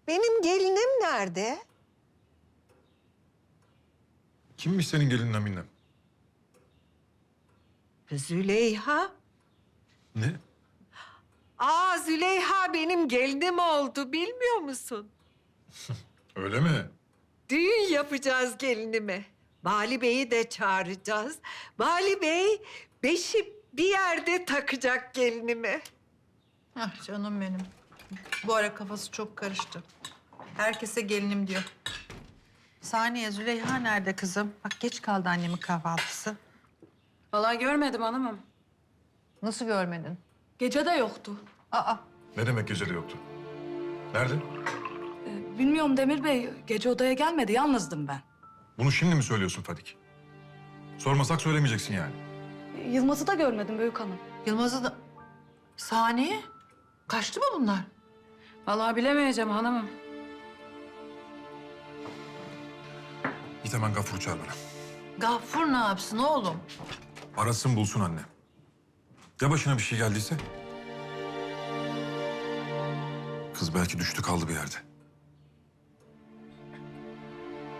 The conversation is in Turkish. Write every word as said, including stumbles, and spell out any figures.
Benim gelinim nerede? Kimmiş senin gelinin Aminem? Züleyha. Ne? Aa, Züleyha benim gelinim oldu, bilmiyor musun? Öyle mi? Düğün yapacağız gelinime. Bali Bey'i de çağıracağız. Bali Bey beşi bir yerde takacak gelinime. Ah canım benim. Bu ara kafası çok karıştı. Herkese gelinim diyor. Saniye, Züleyha nerede kızım? Bak geç kaldı annemin kahvaltısı. Vallahi görmedim hanımım. Nasıl görmedin? Gece de yoktu. Aa, Ne demek gecede yoktu? Nerede? Ee, bilmiyorum Demir Bey. Gece odaya gelmedi. Yalnızdım ben. Bunu şimdi mi söylüyorsun Fadik? Sormasak söylemeyeceksin yani. Ee, Yılmaz'ı da görmedim Büyük Hanım. Yılmaz'ı da... Saniye? Kaçtı mı bunlar? Vallahi bilemeyeceğim hanımım. Git hemen Gafur'u çağır bana. Gaffur ne yapsın oğlum? Arasın bulsun anne. Ya başına bir şey geldiyse? Kız belki düştü kaldı bir yerde.